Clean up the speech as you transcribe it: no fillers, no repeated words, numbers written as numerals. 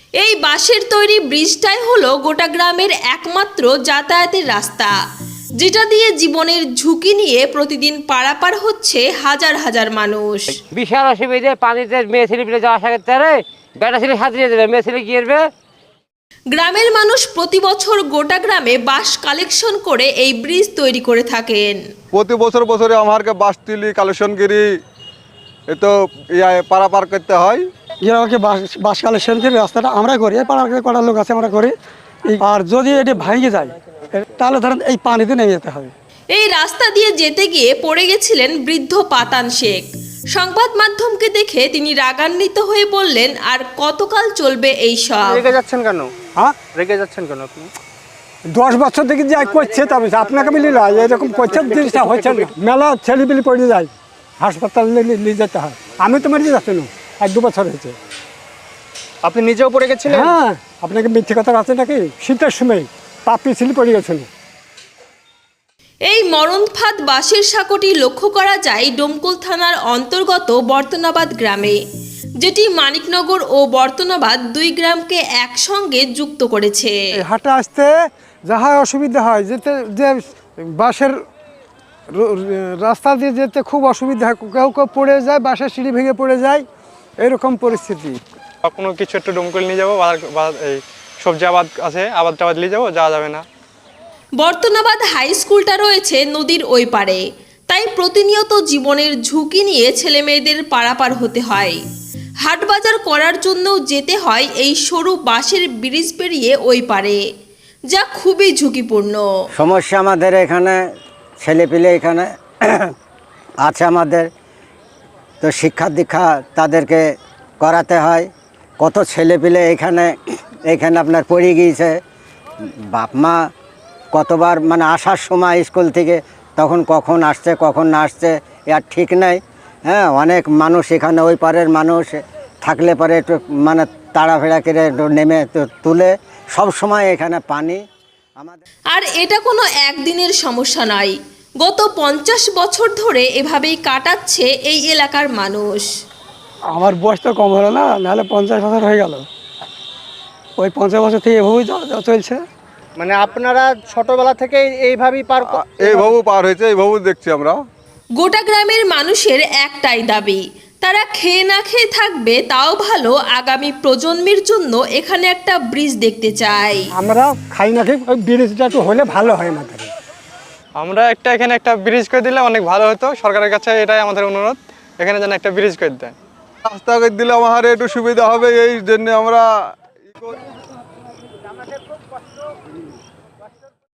এই বাঁশের তৈরি ব্রিজটাই হলো গোটা গ্রামের একমাত্র যাতায়াতের রাস্তা, যেটা দিয়ে জীবনের ঝুঁকি নিয়ে প্রতিদিন পারাপার হচ্ছে হাজার হাজার মানুষ। বিশাল অসুবিধে, পানিতে মেয়ে ছেলে পেলে যাওয়া আসা করতে পারে, বেটা ছেলে সাঁতরিয়ে দেবে, মেয়ে ছেলে গিয়ে গ্রামের মানুষ প্রতি বছর গোটা গ্রামে বাঁশ কালেকশন করে এই ব্রিজ তৈরি করে থাকেন। প্রতি বছর বছরে আমাকে বাঁশ তুলি কালেকশন করি, এ তো পারাপার করতে হয়। গ্রামকে বাস কালেকশন করে রাস্তাটা আমরা করি, পাড়ার কটা লোক আছে আমরা করি। আর যদি এটি ভেঙে যায় তাহলে ধরেন এই পানিতে নেমে যেতে হবে। এই রাস্তা দিয়ে যেতে গিয়ে পড়ে গেছিলেন বৃদ্ধ পাতান শেখ। সংবাদ মাধ্যমকে দেখে তিনি রাগান্বিত হয়ে বললেন, আর কতকাল চলবে এই সব? রেগে যাচ্ছেন কেন? হ্যাঁ, রেগে যাচ্ছেন কেন আপনি? 10 বছর থেকে যা করছে তবে আপনাকে মিলি না, এরকম করছে জিনিসটা হচ্ছে না। মেলা ছেলেপিলি পড়ে যায়, হাসপাতালে নিয়ে যেতে হয়। আমি তো মরে যাচ্ছি না, 1-2 বছর হয়েছে। আপনি নিজেও পড়ে গেছিলেন? হ্যাঁ, আপনাকে মিথ্যে কথা আছে নাকি? শীতের সময় পা পিছলি পড়ে গেছিল। এই মরণফাঁদ বাঁশের সাঁকোটি লক্ষ্য করা যায় ডোমকল থানার অন্তর্গত বর্তনাবাদ গ্রামে, যেটি মানিকনগর ও বর্তনাবাদ দুই গ্রামকে একসঙ্গে যুক্ত করেছে। হাঁটা আসতে যাহা অসুবিধা হয়, যেতে যে বাসের রাস্তা দিয়ে যেতে খুব অসুবিধা হয়। কেউ কেউ পড়ে যায়, বাসের সিঁড়ি ভেঙে পড়ে যায়, এরকম পরিস্থিতি। কোনো কিছু একটু ডোমকল নিয়ে যাবো, এই সবজি আবাদ আছে, আবাদ টাবাদ নিয়ে যাবো, যাওয়া যাবে না। বর্তনাবাদ হাই স্কুলটা রয়েছে নদীর ওই পারে, তাই প্রতিনিয়ত জীবনের ঝুঁকি নিয়ে ছেলে মেয়েদের পারাপার হতে হয়। হাটবাজার করার জন্যও যেতে হয় এই সরু বাঁশের ব্রিজ পেরিয়ে ওই পারে, যা খুবই ঝুঁকিপূর্ণ। সমস্যা আমাদের এখানে, ছেলেপিলে এখানে আছে আমাদের, তো শিক্ষা দীক্ষা তাদেরকে করাতে হয়। কত ছেলেপিলে এখানে আপনার পড়ে গিয়েছে। বাপ মা কতবার মানে আসার সময় স্কুল থেকে তখন কখন আসছে কখন না আসছে আর ঠিক নেই। হ্যাঁ, অনেক মানুষ এখানে ওই পারের মানুষ থাকলে পরে একটু মানে তাড়াফেড়া করে নেমে তুলে, সব সময় এখানে পানি আমাদের। আর এটা কোনো একদিনের সমস্যা নয়, গত 50 বছর ধরে এভাবেই কাটাচ্ছে এই এলাকার মানুষ। আমার বয়স তো কম হলো না, নাহলে 50 বছর হয়ে গেল। ওই 50 বছর থেকে এভাবেই চলছে। মানে আপনারা ছোটবেলা থেকে এইভাবেই এইভাবে পার হয়েছে, এইভাবে দেখছি আমরা। গোটা গ্রামের মানুষের একটাই দাবি, তারা খেয়ে না খেয়ে থাকবে তাও ভালো, আগামী প্রজন্মের জন্য এখানে একটা ব্রিজ দেখতে চাই। আমরা খাই না খেয়ে ওই ব্রিজটা একটু হলে ভালো হয় আমাদের। আমরা এখানে একটা ব্রিজ করে দিলে অনেক ভালো হতো। সরকারের কাছে এটাই আমাদের অনুরোধ, এখানে যেন একটা ব্রিজ করে দেয়। রাস্তা করে দিলে আমার একটু সুবিধা হবে, এই জন্য আমরা